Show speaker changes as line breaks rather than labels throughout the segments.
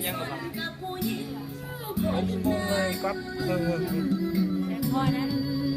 ยังหรอครับ
ผมงงเลยครับ
พอนะ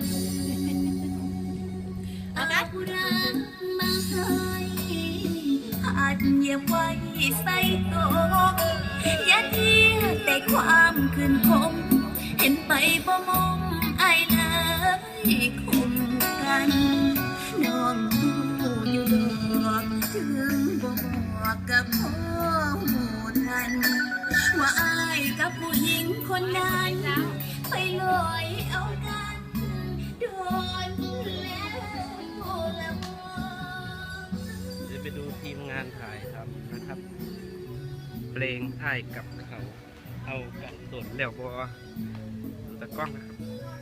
เอาละมาให้อาจเหยียบไว้ใส่ตกอย่าเทียแต่ความคืนคมเห็นไปบ่มองอายเลยคมกันน้องหูอยู่ดอกถึงบ่บอกกับพ่อหูทันว่าอายกับผู้หญิงคนนั้นไปลอยเอากันโดนแล้วละมอ
เดี๋ยวไปดูทีมงานถ่ายทำนะครับ เพลงอ้ายกับเขาเอากันโดดแล้วบอดูตะกล้องนะครับ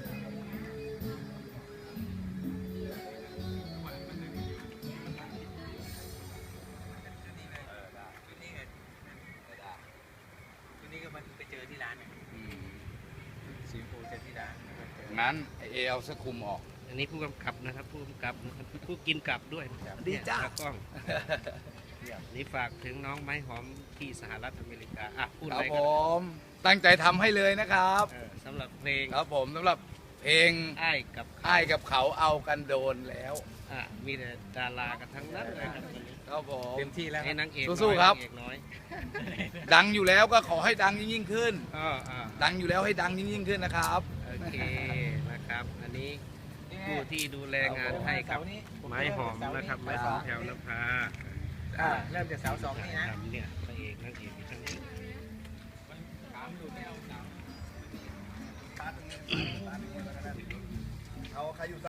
นี่ก็มันไปเจอที่ร้านเนี่ยสีโฟเจอที่ร้าน
งั้นเอเอาสคุมออก
อันนี้ผู้กำกับนะครับผู้กำกับนะครับผู้กินกับด้วยนะครับ
ดีจ้า
ตากล้องนี่ฝากถึงน้องไม้หอมที่สหรัฐอเมริกาอ่ะพูด
ค
อะ
รับ
ไร
ผ
กัน
มตั้งใจทำให้เลยนะครับ
สำหรับเพลง
ครับผมสำหรับเพลง
อ้ายกับเขา
อ้ายกับเขาเอากันโดนแล้ว
มีแต่ดารากันทั้งนั้นเลยครับวันนี้
ครับผม
เต็มที่แล้ว
ให้นางเอก
สู้ๆครับ
นางเอกน้อย
ดังอยู่แล้วก็ขอให้ดังยิ่งขึ้น
อ่า
ดังอยู่แล้วให้ดังยิ่งขึ้นนะครับ
โอเคนะครับ อันนี้ผู้ที่ดูแลงานให้กับไม้หอมนะครับไม้หอมแถวนภา
เริ่มจากเสาสองนี่นะ
ครับเนี่ยพระเอกนางเอกอยู่ทั้งนี้
เอาใครอยู่